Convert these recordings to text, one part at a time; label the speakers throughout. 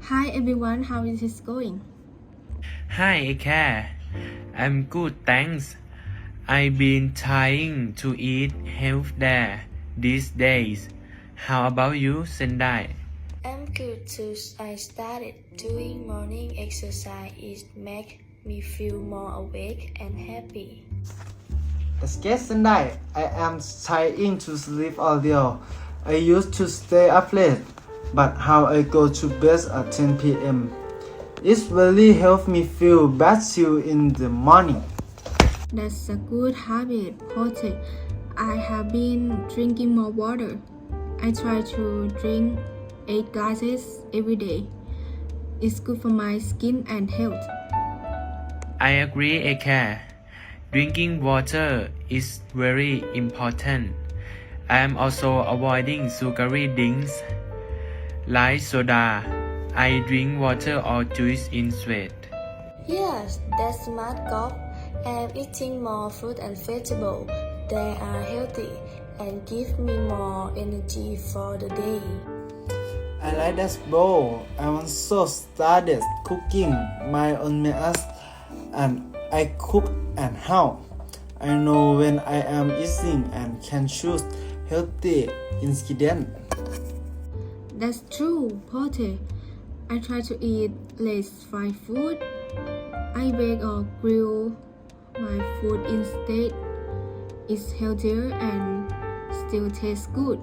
Speaker 1: Hi everyone, how is it going?
Speaker 2: Hi, Eka. I'm good, thanks. I've been trying to eat healthier these days. How about you, Sendai?
Speaker 3: I'm good too. I started doing morning exercise. It makes me feel more awake and happy.
Speaker 4: Excuse Sunday, I am trying to sleep earlier. I used to stay up late, but how I go to bed at 10 p.m. It really helps me feel better in the morning.
Speaker 1: That's a good habit, Pote. I have been drinking more water. I try to drink 8 glasses every day. It's good for my skin and health.
Speaker 2: I agree, Eka. Drinking water is very important. I am also avoiding sugary drinks like soda. I drink water or juice instead.
Speaker 3: Yes, that's smart golf. I'm eating more fruit and vegetables. They are healthy and give me more energy for the day.
Speaker 4: I like that bowl. I also started cooking my own meals and I cook at home. I know when I am eating and can choose healthy ingredients.
Speaker 1: That's true, Pote. I try to eat less fried food. I bake or grill my food instead. It's healthier and still tastes good.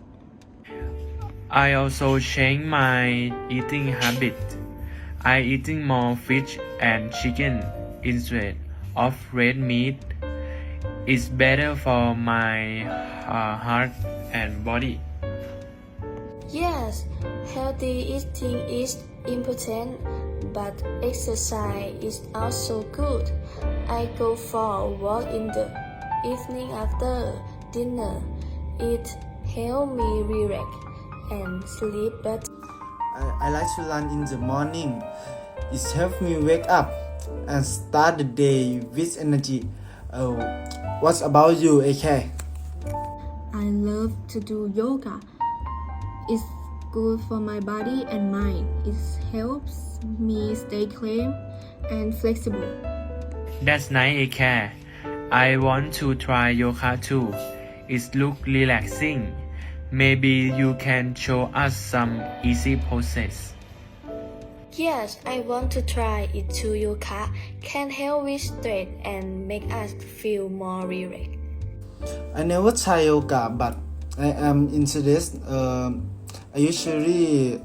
Speaker 2: I also changed my eating habit. I eating more fish and chicken instead of red meat. It's better for my heart and body.
Speaker 3: Yes, healthy eating is important, but exercise is also good. I go for a walk in the evening after dinner. It helps me relax and sleep better.
Speaker 4: I like to run in the morning. It helps me wake up and start the day with energy. What about you, AK?
Speaker 1: I love to do yoga. It's good for my body and mind. It helps me stay calm and flexible.
Speaker 2: That's nice, Eka. I want to try yoga too. It looks relaxing. Maybe you can show us some easy poses.
Speaker 3: Yes, I want to try it too. Yoga can help with stress and make us feel more relaxed.
Speaker 4: I never try yoga, but I am interested. I usually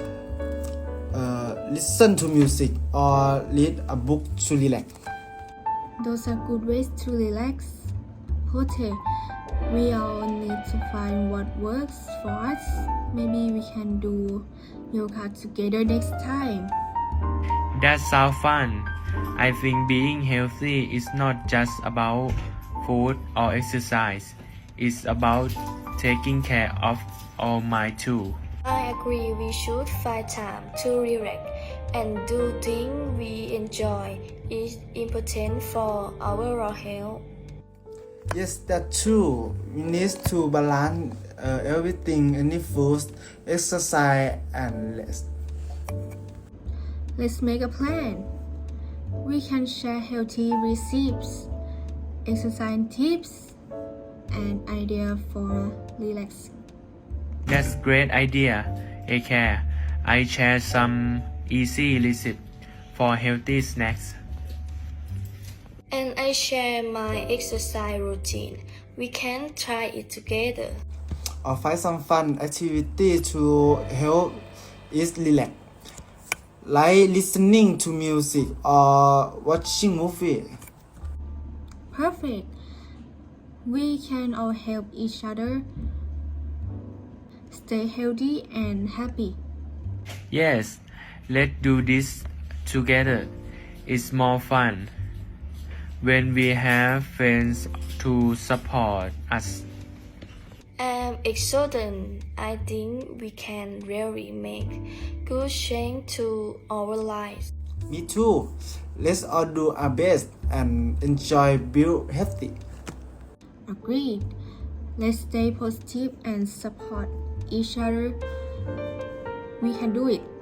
Speaker 4: listen to music or read a book to relax.
Speaker 1: Those are good ways to relax. Pote, we all need to find what works for us. Maybe we can do yoga together next time.
Speaker 2: That sounds fun. I think being healthy is not just about food or exercise. It's about taking care of our mind too.
Speaker 3: I agree we should find time to relax and do things we enjoy. It's important for our health.
Speaker 4: Yes, that's true. We need to balance everything: any food, exercise, and rest.
Speaker 1: Let's make a plan. We can share healthy recipes, exercise tips, and ideas for relaxing.
Speaker 2: That's great idea, Eka. I share some easy recipe for healthy snacks.
Speaker 3: And I share my exercise routine. We can try it together.
Speaker 4: Or find some fun activity to help us relax, like listening to music or watching movie.
Speaker 1: Perfect. We can all help each other stay healthy and happy.
Speaker 2: Yes, let's do this together. It's more fun when we have friends to support us.
Speaker 3: I'm excited. I think we can really make good change to our lives.
Speaker 4: Me too. Let's all do our best and enjoy being healthy.
Speaker 1: Agreed. Let's stay positive and support each other. We can do it.